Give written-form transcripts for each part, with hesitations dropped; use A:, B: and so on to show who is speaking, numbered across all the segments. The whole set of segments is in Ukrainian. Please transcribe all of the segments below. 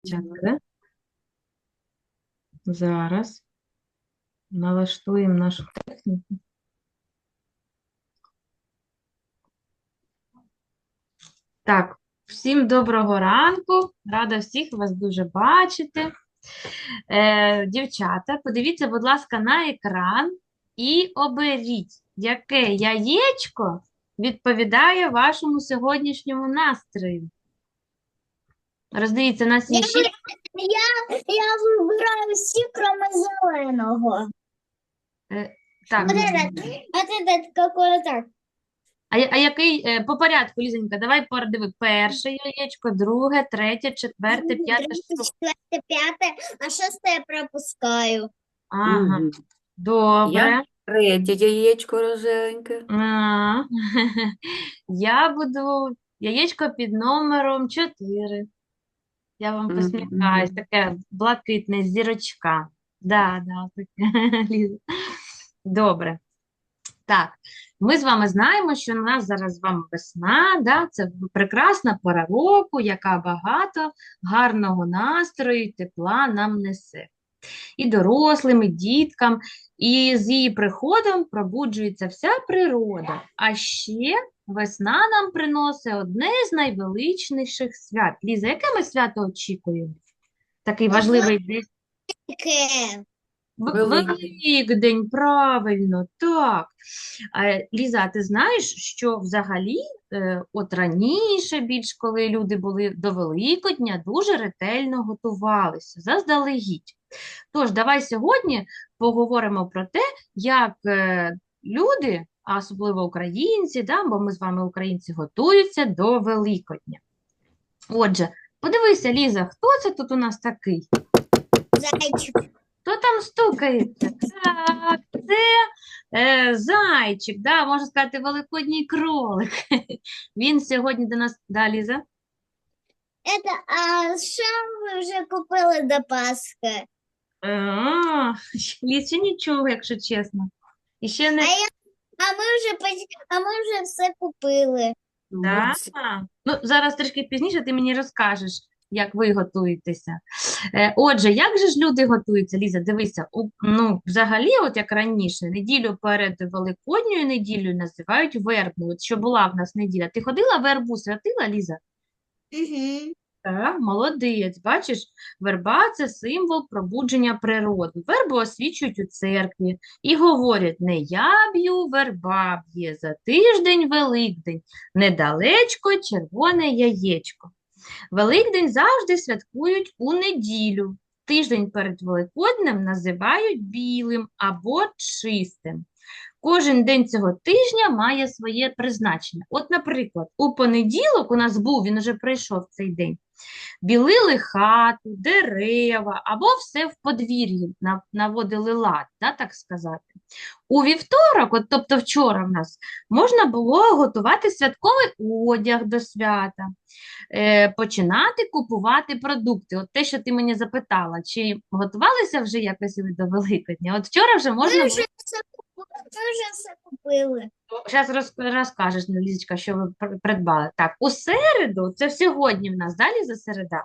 A: Дівчатка, да? Зараз налаштуємо нашу техніку. Так, всім доброго ранку. Рада всіх вас дуже бачити. Дівчата, подивіться, будь ласка, на екран і оберіть, яке яєчко відповідає вашому сьогоднішньому настрою. Роздивіться, нас
B: Я,
A: є 6.
B: я вибираю всі, кроме зеленого.
A: Так,
B: Вот этот какой так.
A: а який по порядку, Лізонька, давай диви. Перше яєчко, друге, третє, четверте, п'яте, шосте.
B: Четверте, п'яте, а шосте я пропускаю.
A: Ага,
C: Мгм.
A: добре.
C: Я третє яєчко рожевеньке.
A: А, Я буду яєчко під номером 4. Я вам посміхаюсь,
C: Мгм.
A: таке блакитне зірочка. Да, таке, Ліза. Добре. Так, ми з вами знаємо, що у нас зараз з вами весна, да? Це прекрасна пора року, яка багато гарного настрою і тепла нам несе. І дорослим, і діткам, і з її приходом пробуджується вся природа. А ще весна нам приносить одне з найвеличніших свят. Ліза, яке ми свято очікуємо? Такий важливий день.
B: Таке.
C: Великий.
A: Великдень, правильно, так. Ліза, а ти знаєш, що взагалі, от раніше більш, коли люди були до Великодня, дуже ретельно готувалися, заздалегідь. Тож, давай сьогодні поговоримо про те, як люди, а особливо українці, да, бо ми з вами українці, готуються до Великодня. Отже, подивися, Ліза, хто це тут у нас такий?
B: Зайчик.
A: Хто там стукається? Так, це зайчик, да, можна сказати, великодній кролик. Він сьогодні до нас, да, Ліза?
B: Що ви вже купили до Пасхи?
A: Ліз, ще нічого, якщо чесно. І ще не...
B: А ми вже все купили.
A: Да?
C: Молодці.
A: Ну, зараз трішки пізніше ти мені розкажеш, як ви готуєтеся. Отже, як же ж люди готуються, Ліза? Дивися, ну, взагалі, от як раніше, неділю перед Великодньою неділею називають вербною, от що була в нас неділя. Ти ходила вербу, святила, Ліза?
B: Угу.
A: Так, молодець. Бачиш, верба– це символ пробудження природи. Вербу освічують у церкві і говорять: не я б'ю, верба б'є, за тиждень Великдень, недалечко червоне яєчко. Великдень завжди святкують у неділю. Тиждень перед Великоднем називають білим або чистим. Кожен день цього тижня має своє призначення. От, наприклад, у понеділок у нас був, він вже прийшов цей день. Білили хату, дерева або все в подвір'ї наводили лад, да, так сказати. У вівторок, от, тобто вчора в нас, можна було готувати святковий одяг до свята, починати купувати продукти. От те, що ти мені запитала, чи готувалися вже якось ви до Великодня? От вчора вже можна
B: Ми
A: було.
B: вже все купили.
A: Зараз розкажеш, Лізочка, що ви придбали. Так, у середу, це сьогодні в нас, далі за середа,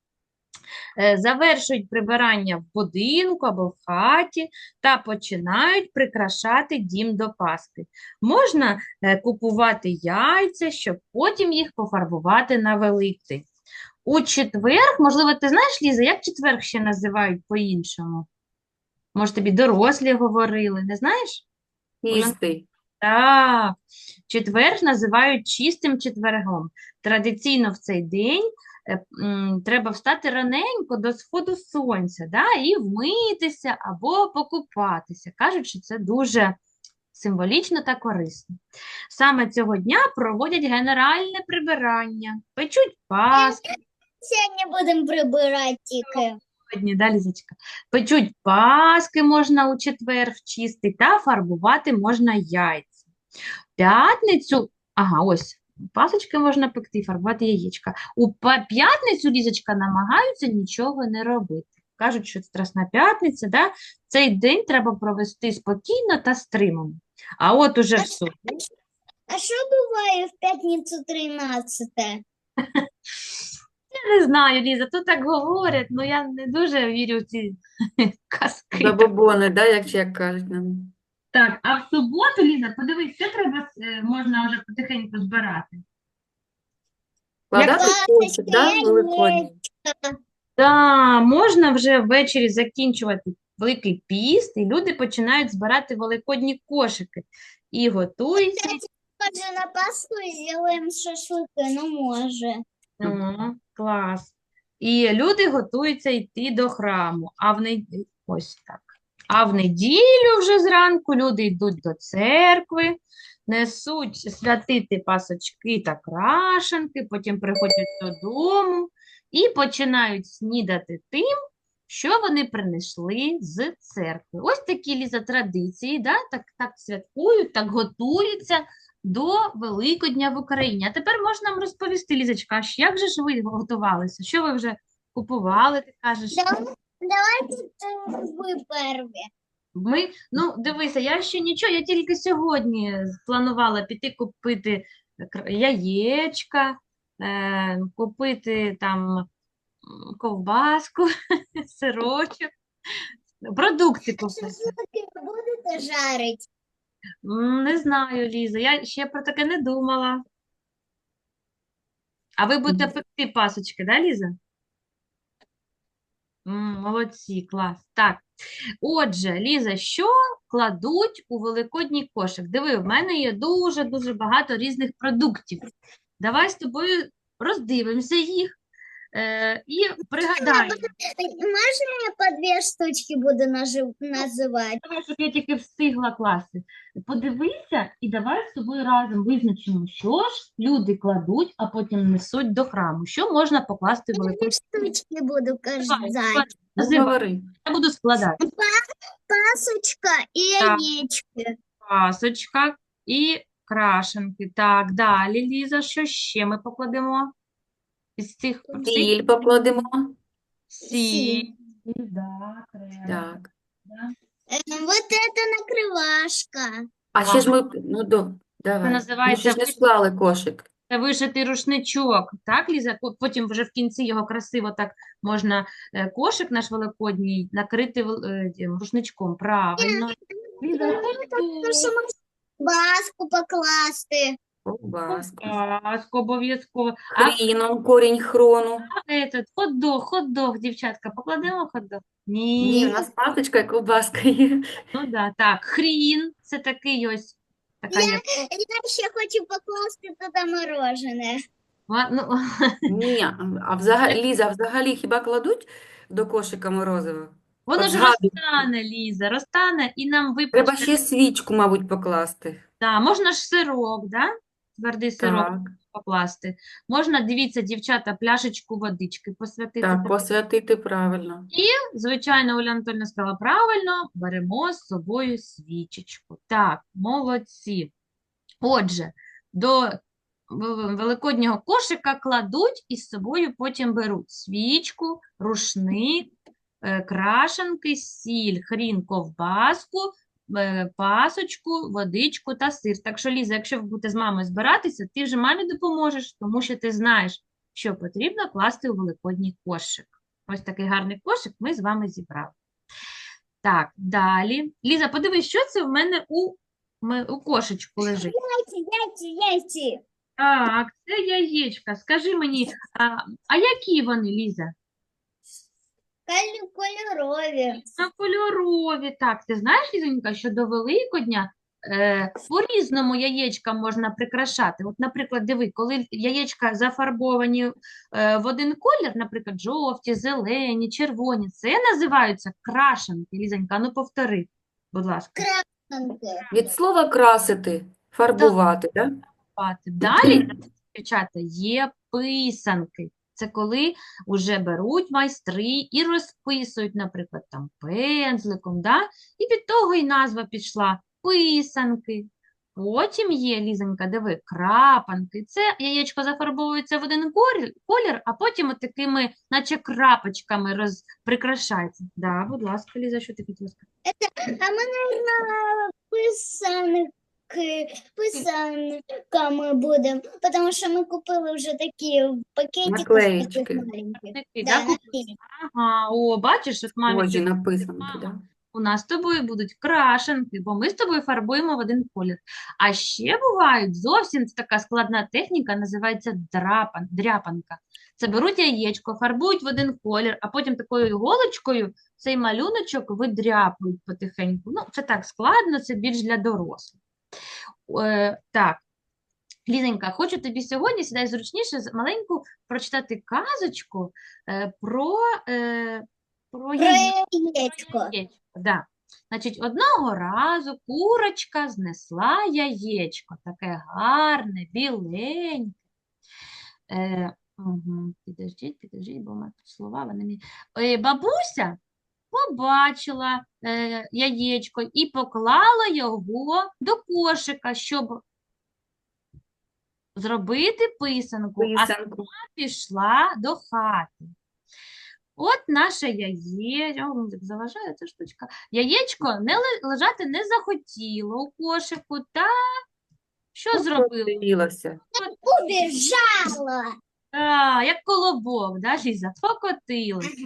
A: завершують прибирання в будинку або в хаті та починають прикрашати дім до Пасхи. Можна купувати яйця, щоб потім їх пофарбувати на Великдень. У четвер, можливо, ти знаєш, Ліза, як четвер ще називають по-іншому? Може, тобі дорослі говорили, не знаєш?
C: Чистий.
A: Так, четвер називають чистим четвергом. Традиційно в цей день треба встати раненько до сходу сонця, да, і вмитися або покупатися. Кажуть, що це дуже символічно та корисно. Саме цього дня проводять генеральне прибирання, печуть паски.
B: Сьогодні будемо прибирати тільки.
A: Сьогодні, да, Лізочка? Печуть паски можна у четвер в чистий та фарбувати можна яйця. П'ятницю, ага, ось, пасочки можна пекти, фарбувати яєчка. У п'ятницю, Лізочка, намагаються нічого не робити. Кажуть, що Страсна п'ятниця, да? Цей день треба провести спокійно та стримано. А от уже в суботу,
B: А що буває в п'ятницю 13?
A: Я не знаю, Ліза, тут так говорять, але я не дуже вірю в ці казки.
C: Забобони, да, як кажуть нам.
A: Так, а в суботу, Ліза, подивись, що треба, можна вже потихеньку збирати.
C: Складати кошик, да,
B: Класочка,
C: великодній.
A: Да, можна вже ввечері закінчувати Великий піст, і люди починають збирати великодні кошики і готуються.
B: Може, на Пасху зробимо шашлики, ну може.
A: Клас. І люди готуються йти до храму. Ось так. А в неділю вже зранку люди йдуть до церкви, несуть святити пасочки та крашенки, потім приходять додому і починають снідати тим, що вони принесли з церкви. Ось такі, Ліза, традиції, да? Так святкують, так готуються до Великодня в Україні. А тепер можна нам розповісти, Лізочка, як же ж ви готувалися? Що ви вже купували, ти кажеш?
B: Давайте ви перві.
A: Дивися, я ще нічого, я тільки сьогодні планувала піти купити яєчка, купити там ковбаску, сирочок, продукти купити.
B: Шашлики будете жарити?
A: Не знаю, Ліза, я ще про таке не думала. А ви будете пекти пасочки, да, Ліза? Молодці, клас. Так, отже, Ліза, що кладуть у великодній кошик? Диви, в мене є дуже-дуже багато різних продуктів. Давай з тобою роздивимося їх і пригадаємо.
B: Можна я по дві штучки буду називати?
A: Давай, щоб я тільки встигла класти. Подивися і давай з тобою разом визначимо, що ж люди кладуть, а потім несуть до храму. Що можна покласти в
B: Дві
A: великодній
B: штучки буду
A: Давай,
B: казати.
A: називай.
C: Говори.
A: Я буду складати.
B: Пасочка і
A: Так.
B: яєчки.
A: Пасочка і крашенки. Так, далі, Ліза, що ще ми покладемо? Із цих
C: Сіль покладемо.
A: сіль. Да, треба.
C: Так.
A: Да.
B: Вот это накривашка.
C: А ще ж ми, давай. Ми
A: називається
C: ще ж не склали кошик.
A: Це вишитий рушничок, так, Ліза? Потім вже в кінці його красиво так можна кошик наш великодній накрити тим рушничком. Правильно. Ліза,
B: Баску покласти.
C: Ковбаску.
A: Паску обов'язково. А
C: Хріном, корінь хрону.
A: этот хот-дог, дівчатка, покладемо хот-дог?
C: Ні,
A: Ні.
C: у нас пасочка і ковбаска є.
A: Ну да, так, хрін, це такий ось, така є.
B: Я ще хочу покласти туди морожене.
A: Ну,
C: Ні, Ліза, а взагалі хіба кладуть до кошика морозиво?
A: воно
C: От
A: ж
C: згадую.
A: розтане, Ліза, розтане і нам
C: Треба
A: випече.
C: ще свічку, мабуть, покласти.
A: Да, можна ж сирок, да? Твердий сирок
C: Так,
A: покласти. Можна, дивіться, дівчата, пляшечку водички посвятити.
C: так, посвятити правильно.
A: Звичайно, Оля Анатольовна сказала правильно, беремо з собою свічечку. Так, молодці. Отже, до великоднього кошика кладуть і з собою потім беруть свічку, рушник, крашенки, сіль, хрін, ковбаску, пасочку, водичку та сир. Так що, Ліза, якщо ви будете з мамою збиратися, ти вже мамі допоможеш, тому що ти знаєш, що потрібно класти у великодній кошик. Ось такий гарний кошик ми з вами зібрали. Так, далі. Ліза, подивись, що це в мене у кошечку лежить.
B: Яйці.
A: Так, це яєчка. Скажи мені, а які вони, Ліза?
B: Кольорові.
A: Кольорові. Так, ти знаєш, Лізонька, що до Великодня по-різному яєчка можна прикрашати. От, наприклад, диви, коли яєчка зафарбовані в один колір, наприклад, жовті, зелені, червоні, це називаються крашенки. Лізонька, ну повтори, будь ласка.
C: Від слова красити, фарбувати, так?
A: Далі, дівчата, є писанки. Це коли вже беруть майстри і розписують, наприклад, там пензликом, да? І від того і назва пішла писанки. Потім є, Лізонька, диви, крапанки. Це яєчко зафарбовується в один колір, а потім от такими, наче крапочками прикрашається. Да, будь ласка, Ліза, що ти хотіла сказати?
B: А ми, наверное, писанки писанками будемо, тому що ми купили вже такі пакетики з таких
C: Наклеїчки.
B: маленьких.
A: Такі,
B: Да,
A: да,
B: наклеїчки.
A: Ага, о, бачиш, от мамі
C: Схожі
A: кажуть,
C: написанки,
A: мама,
C: да?
A: у нас з тобою будуть крашенки, бо ми з тобою фарбуємо в один колір. А ще бувають зовсім така складна техніка, називається дряпанка. Це беруть яєчко, фарбують в один колір, а потім такою іголочкою цей малюночок видряпують потихеньку. Ну, це так складно, це більш для дорослих. Так, Лізенька, хочу тобі сьогодні, сідай зручніше, маленьку прочитати казочку про
B: Про
A: яєчко.
B: яєчко.
A: Да. Значить, одного разу курочка знесла яєчко, таке гарне, біленьке. Підождіть, бо в мене тут слова, вони мені... Бабуся побачила яєчко і поклала його до кошика, щоб зробити писанку, а
C: Писанку.
A: пішла до хати. От наше яєчко, заважає ця штучка. Яєчко лежати не захотіло у кошику, та що зробило?
C: Покотилося.
B: Убіжала.
A: Як колобок, да, Ліза? Покотилося.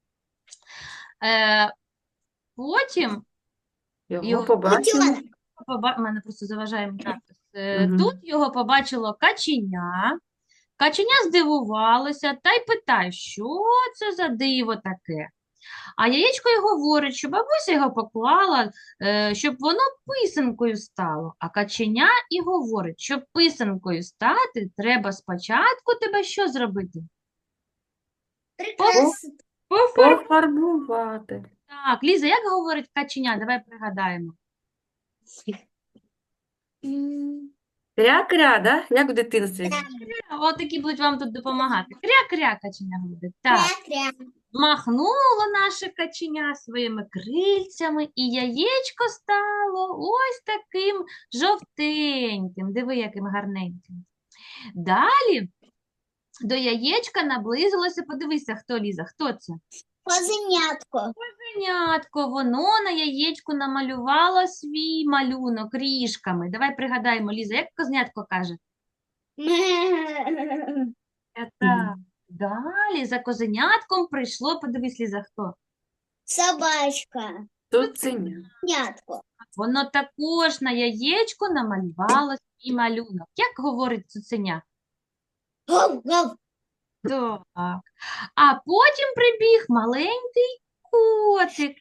A: Потім
C: Його
A: його
C: побачили.
A: мене просто заважає надпис.
C: Мгм.
A: Тут його побачило каченя. Каченя здивувалося та й питає, що це за диво таке? А яєчко й говорить, що бабуся його поклала, щоб воно писанкою стало. А каченя і говорить, щоб писанкою стати, треба спочатку тебе що зробити?
B: Прекрасно.
C: Пофарбувати.
A: Так, Ліза, як говорить каченя? Давай пригадаємо.
C: Кря-кря, да? Як в дитинстві?
A: От такі будуть вам тут допомагати. Кря-кря, каченя говорить. Так.
B: Кря-кря.
A: Махнуло наше каченя своїми крильцями, і яєчко стало ось таким жовтеньким. Диви, яким гарненьким. Далі до яєчка наблизилося, подивися, хто, Ліза, хто це?
B: Козенятко.
A: Козенятко, воно на яєчку намалювало свій малюнок ріжками. Давай пригадаємо, Ліза, як козенятко каже? Так. Далі за козенятком прийшло, подивись, Ліза, хто?
B: Собачка.
C: Цуценя.
B: Нятко.
A: Воно також на яєчку намалювало свій малюнок. Як говорить цуценя?
B: Гав-гав.
A: Так. А потім прибіг маленький котик.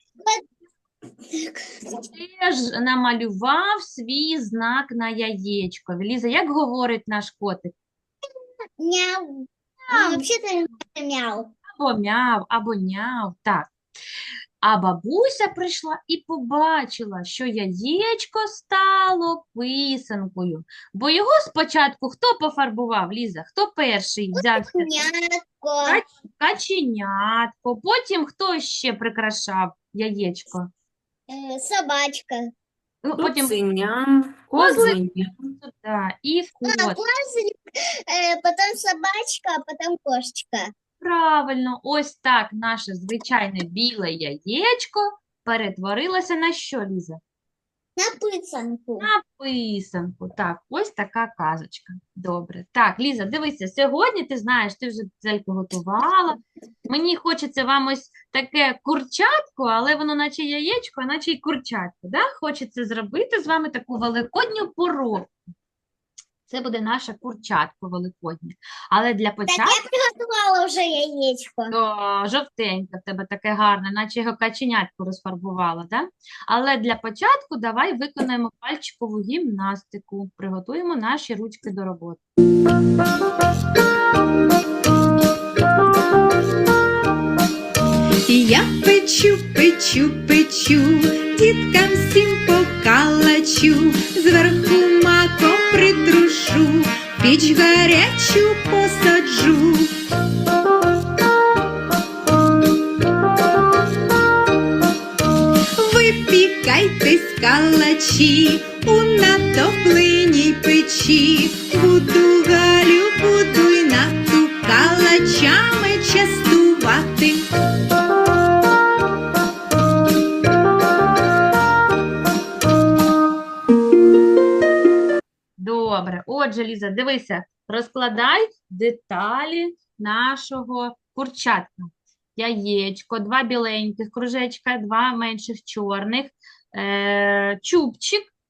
A: Теж намалював свій знак на яєчко. Ліза, як говорить наш котик?
B: Мяу. Вообще-то мяу.
A: Або няв, так. А бабуся прийшла і побачила, що яєчко стало писанкою. Бо його спочатку хто пофарбував, Ліза? Хто перший взявся?
B: Нятко.
A: Каченятко. Потім хто ще прикрашав яєчко?
B: Собачка.
A: Ну, потім
C: Цуценя. Козеня.
A: да, і кот.
B: Козлик, потом собачка, а потом кошечка.
A: Правильно, ось так наше звичайне біле яєчко перетворилося на що, Ліза?
B: На писанку.
A: На писанку. Так, ось така казочка. Добре. Так, Ліза, дивися, сьогодні ти знаєш, ти вже зельку готувала. Мені хочеться вам ось таке курчатко, але воно наче яєчко, а наче й курчатко. Да? Хочеться зробити з вами таку великодню поробку. Це буде наше курчатко великоднє. Але для
B: Так
A: початку...
B: я приготувала вже яєчко.
A: О, жовтеньке в тебе таке гарне, наче його каченятку розфарбувала, да? Але для початку давай виконаємо пальчикову гімнастику. Приготуємо наші ручки до роботи.
D: Я печу, діткам всім покалачу, зверху маком притрушу, піч гарячу посаджу. Випікайтесь, калачі, у натопленій печі. Буду, Галю, буду й нату калачами частувати.
A: Отже, Ліза, дивися, розкладай деталі нашого курчатка. Яєчко, 2 біленьких кружечка, 2 менших чорних, чубчик,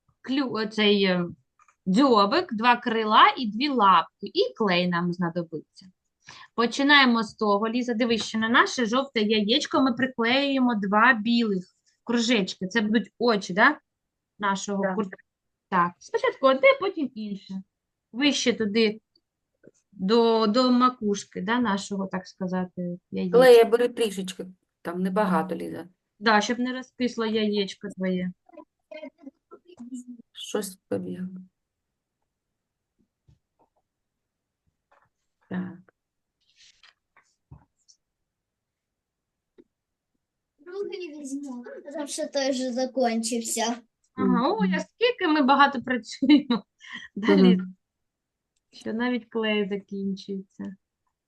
A: дзьобик, 2 крила і 2 лапки. І клей нам знадобиться. Починаємо з того, Ліза, дивись, що на наше жовте яєчко ми приклеюємо 2 білих кружечки. Це будуть очі, да? Нашого
C: Так.
A: курчатка. Так, спочатку одне, потім інше. Вище туди до макушки, да, нашого, так сказати, яєчка.
C: Клея бери трішечки, там небагато, Ліза.
A: Да, щоб не розкисло яєчко твоє.
C: Щось побігло. Так.
B: Другий візьму, тому що той вже закінчився.
A: Ага, ой, а скільки ми багато працюємо. Да,
C: Мгм.
A: Ліза? Що навіть клей закінчується.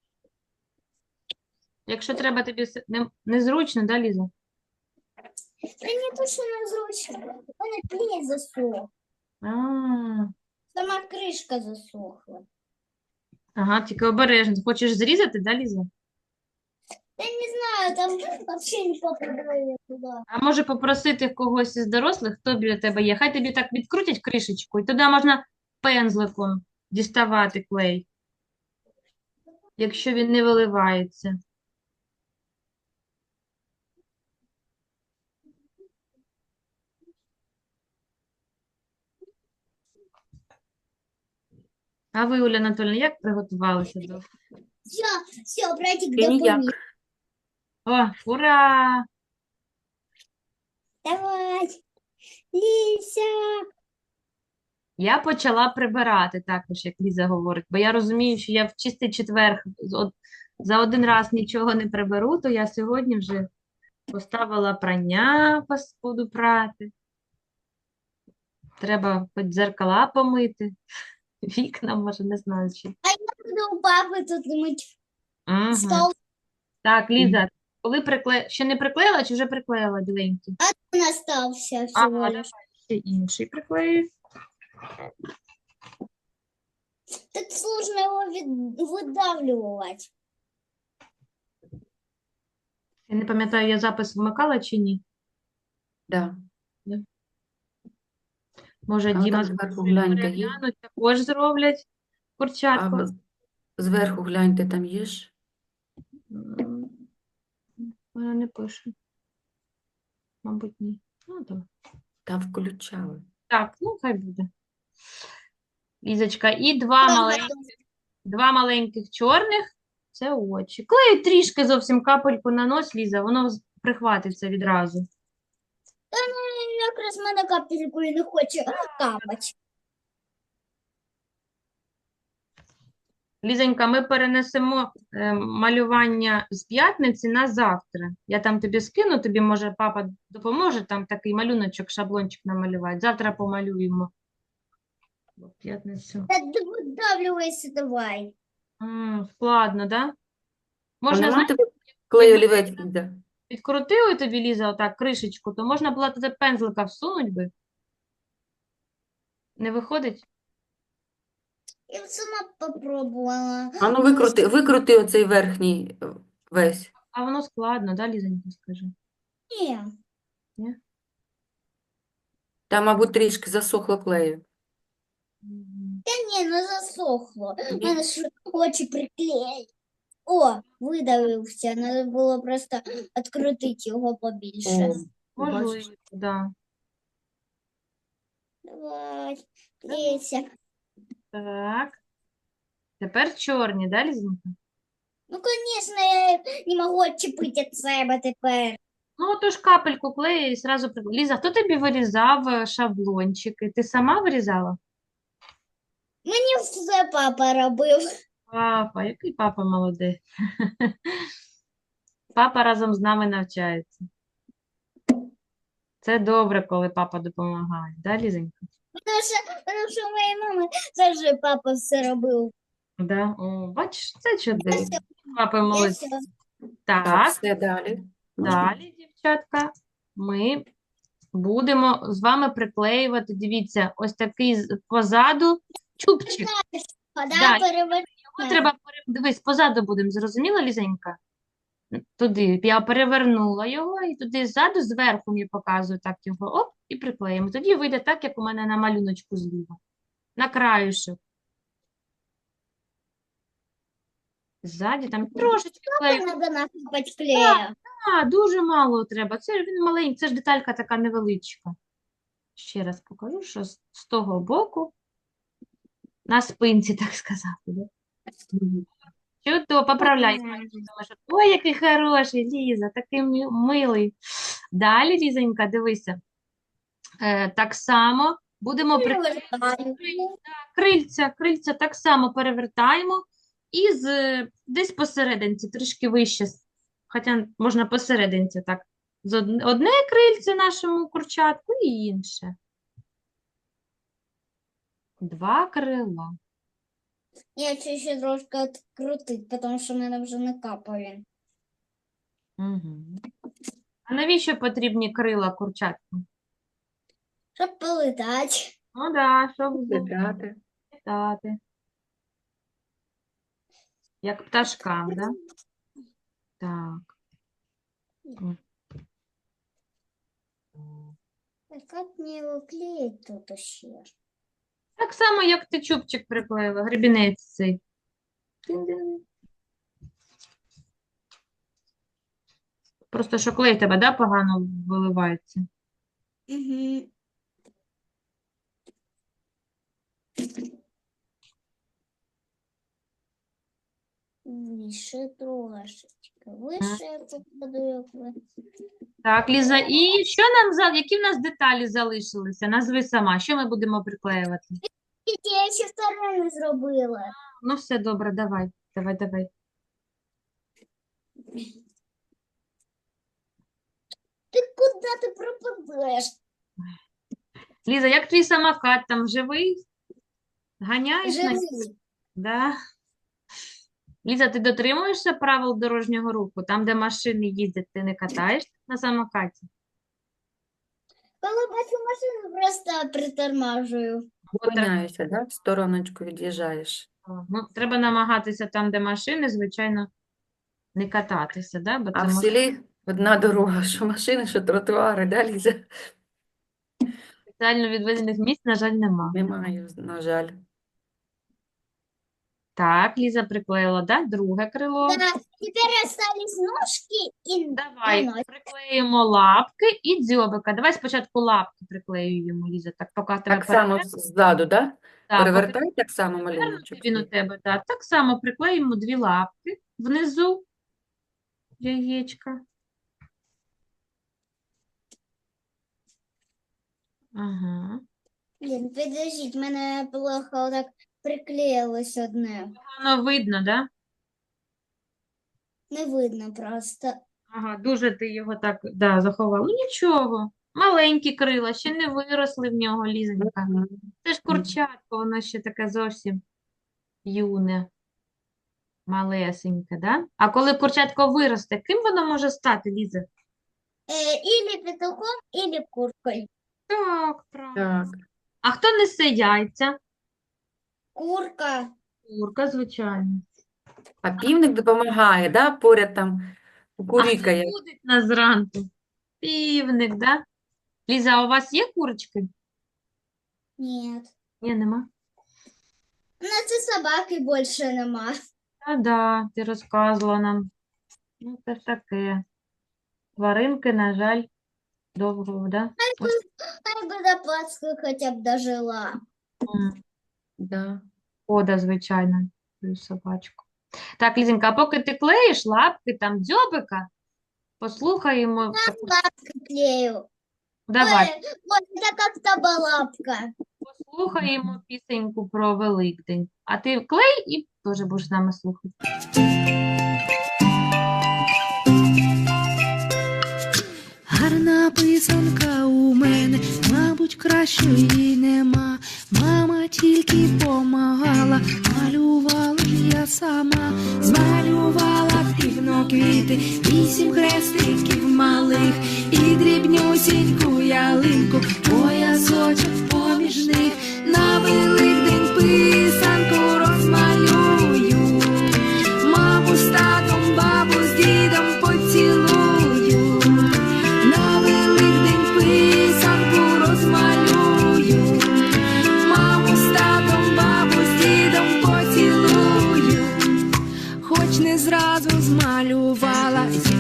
A: Якщо треба тобі незручно, да, Ліза?
B: Та не то, що незручно. У мене клей засох.
A: А,
B: Сама кришка засохла.
A: ага, тільки обережно. Хочеш зрізати, да, Ліза?
B: Я не знаю, там взагалі не попадає туди.
A: А може попросити когось із дорослих, хто біля тебе є. Хай тобі так відкрутять кришечку, і туди можна пензликом діставати клей, якщо він не виливається. А ви, Оля Анатольевна, як приготувалися до?
B: Все, братик
C: Ти ніяк.
B: допоміг.
A: О, ура!
B: Давай. Ліся.
A: Я почала прибирати також, як Ліза говорить, бо я розумію, що я в чистий четвер за один раз нічого не приберу, то я сьогодні вже поставила прання, буду прати. Треба хоч дзеркала помити, вікна, може, не знаю, чи.
B: Буду у папи тут мить
A: Мгм.
B: стол.
A: Так, Ліза, коли ще не приклеїла чи вже приклеїла біленький?
B: Он остався
A: А,
B: всього
A: давай
B: лиш.
A: ще інший приклею.
B: Так сложно його видавлювати.
A: Я не пам'ятаю, я запис вмикала чи ні.
C: Да.
A: Може,
C: А
A: Діма
C: там
A: з
C: зверху
A: Машею
C: гляньте, є?
A: переглянуть, також зроблять
C: А
A: курчатку.
C: зверху гляньте, там є ж?
A: Вона не пише. Мабуть, ні. Ну, так.
C: Там включали.
A: Так, ну, хай буде. Лізочка, і два маленьких чорних – це очі. Клею трішки зовсім капельку на нос, Ліза, воно прихватиться відразу.
B: Якраз в мене капельку і не хоче капати.
A: Лізонька, ми перенесемо малювання з п'ятниці на завтра. Я там тобі скину, тобі, може, папа допоможе там такий малюночок, шаблончик намалювати. Завтра помалюємо. В п'ятницю.
B: Та видавлюйся давай.
A: Складно, да?
C: А
A: Можна,
C: нема
A: знаєш,
C: тебе клею олівець, Ліза?
A: відкрутили тобі, Ліза, отак кришечку, то можна було туди пензлика всунуть би. Не виходить?
B: Я сама попробувала.
C: А ну викрути оцей верхній весь.
A: А воно складно, да, Лізонька, скажи?
B: Ні.
C: Там, мабуть, трішки засохло клею.
B: Та ні, не засохло. У
C: Ні.
B: мене ж очі приклеїли. О, видавився. Треба було просто відкрутити його побільше.
C: О,
A: Можливо,
C: бачиш?
A: да.
B: Давай, Леся.
A: Так. Тепер чорні, да, Лізонька?
B: Ну, звісно, я не можу відчепити від себе тепер.
A: Ну, отож капельку клею і зразу Ліза, хто тобі вирізав шаблончики? Ти сама вирізала?
B: Мені все папа робив.
A: Папа, який папа молодець. Папа разом з нами навчається. Це добре, коли папа допомагає, да, Лізонька?
B: Тому що у моєї мами теж папа все робив.
A: Да? О, бачиш, це чудово.
B: все.
A: Папа
B: Я
A: молодець.
B: все.
C: Так,
A: Так,
C: все далі. Можна?
A: далі, дівчатка, ми будемо з вами приклеювати, дивіться, ось такий позаду Чубчик. Да,
B: Да, перевернути.
A: Його треба, дивись, позаду будемо, зрозуміла, Лізенька? Туди, я перевернула його, і туди ззаду, зверху мені показую, так його, оп, і приклеїмо. Тоді вийде так, як у мене на малюночку зліва. На краюшок. Ззаді там трошечки клею.
B: Надо насипати клею.
A: Дуже мало треба. Це він маленький, це ж деталька така невеличка. Ще раз покажу, що з того боку, на спинці, так сказати. Да? Чудово, поправляй. Ой, який хороший, Ліза, такий милий. Далі, Лізонька, дивися. Так само будемо крильця так само перевертаємо і десь посерединці, трішки вище, хоча можна посерединці так. Одне крильце нашому курчатку і інше. 2 крила.
B: Я хочу ще трошки відкрутити, тому що в мене вже не капає.
A: Угу. А навіщо потрібні крила курчатку?
B: Щоб полетати.
A: Ну да, щоб
C: Літати.
A: літати. Як пташкам, да? Так.
B: Так як мені його клеїть тут ще?
A: Так само, як ти чубчик приклеїла, гребінець цей. Тин-дин. Просто що клей тебе, да, погано виливається.
B: Угу. Вище трошечки. Вище я покладу, як ви.
A: Так, Ліза, і що які в нас деталі залишилися? Назви сама, що ми будемо приклеювати?
B: Я ще вторе не зробила.
A: Ну, все добре, давай.
B: Ти куди ти пропадеш?
A: Ліза, як твій самокат там живий? Ганяєш на ньому?
B: Живий.
A: Да. Ліза, ти дотримуєшся правил дорожнього руху? Там, де машини їздять, ти не катаєшся на самокаті?
B: Коли бачу машину, просто притормажую.
C: Зупиняєшся, да? В стороночку від'їжджаєш.
A: Ну, треба намагатися там, де машини, звичайно, не кататися, да? Бо
C: А
A: це
C: в
A: може...
C: селі одна дорога, що машини, що тротуари, да, Ліза?
A: спеціально відведених місць, на жаль, нема.
C: Немає, на жаль.
A: Так, Ліза приклеїла, да? Друге крило.
B: Да, тепер остались ножки і
A: Давай,
B: носик.
A: приклеїмо лапки і дзьобика. Давай спочатку лапки приклеюємо, Ліза, так поки в тебе
C: Так само ззаду, да?
A: Да, поки
C: Перевертай так само малюночок.
A: він у тебе, да. Так само приклеїмо 2 лапки внизу яєчка. Ага.
B: Блін, підождіть, мене плохо так приклеїлось одне.
A: Воно видно, да?
B: Не видно просто.
A: Ага, дуже ти його так, да, заховав. Ну нічого, маленькі крила, ще не виросли в нього, Лізонька.
C: Мгм.
A: Це ж курчатко, воно ще таке зовсім юне, малесеньке, да? А коли курчатко виросте, ким воно може стати, Ліза?
B: Ілі петухом, ілі куркою.
A: Так, правильно.
C: Так.
A: А хто несе яйця?
B: Курка.
A: Курка, звичайно.
C: А півник допомагає, да? Поряд там
A: А хто
C: кукурікає.
A: будить нас зранку? Півник, да? Ліза, а у вас є курочки?
B: Ні.
A: Ні, нема.
B: У нас і собаки більше нема.
A: Да, ти розказувала нам. Ну, це ж таке. Тваринки, на жаль, довго, да?
B: Хай би до Пасхи хоча б дожила.
C: Да.
A: Шкода, звичайно, твою собачку. Так, Лізенька, а поки ти клеїш лапки, там, дзьобика, послухаємо.
B: Лапки клею.
A: Давай,
B: Ой, вот это как табалапка.
A: послухаємо пісеньку про Великдень. А ти клей і теж будеш з нами слухати.
D: Гарна писанка у мене, мабуть, кращої нема. Мама тільки помагала, малювала ж я сама. Змалювала квіти, 8 хрестиків малих і дрібнюсіньку ялинку, поясочок поміж них на Великдень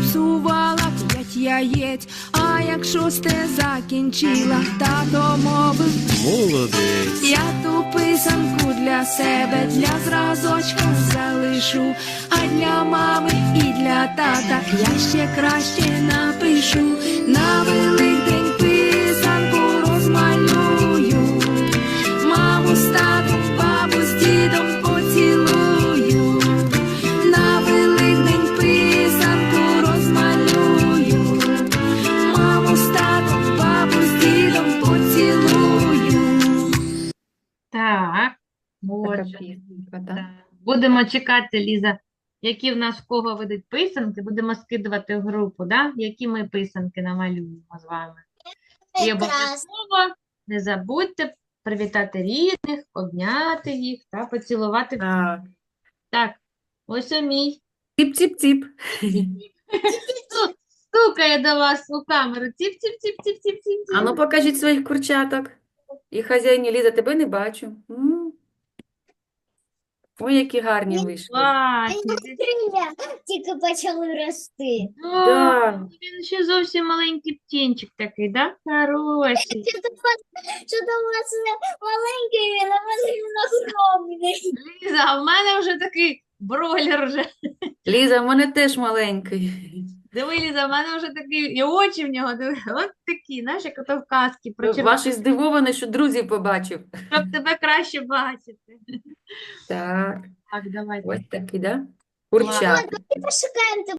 D: зіпсувала 5 яєць, а як 6 закінчила, тато мовив:
E: Молодець.
D: я ту писанку для себе, для зразочка залишу, а для мами і для тата я ще краще напишу. На Великдень писанку розмалюю, маму з татом, бабу з дідом поцілую. На Великдень писанку розмалюю, маму з татом, бабу з дідом поцілую.
A: Так,
C: Така
A: отже,
C: пісенька, так.
A: так. Будемо чекати, Ліза, які в нас в кого видуть писанки. Будемо скидувати в групу, да? Які ми писанки намалюємо з вами. І
B: Прекрасно.
A: обов'язково не забудьте привітати рідних, обняти їх та поцілувати.
C: Так.
A: Так, ось мій.
C: Ціп-ціп-ціп.
A: Стукає до вас у камеру. Ціп-ціп-ціп-ціп-ціп-ціп.
C: А ну покажіть своїх курчаток. І хазяїні, Ліза, тебе не бачу. Ой, які гарні вийшли.
A: Класні.
B: Крилля тільки почали рости.
C: Да.
A: Він ще зовсім маленький птінчик такий, да? Хороший.
B: Що-то у вас маленький, він, а у вас він огромний.
A: Ліза, а в мене вже такий бройлер вже.
C: Ліза, в мене теж маленький.
A: Диви, Ліза, в мене вже такий, і очі в нього, диви, от такі, знаєш, як ото в казці про
C: Ваші здивовані, що друзів побачив.
A: щоб тебе краще бачити.
C: Так,
A: Так, давайте.
C: ось такий, да? Курчатка.
B: Пошукаємо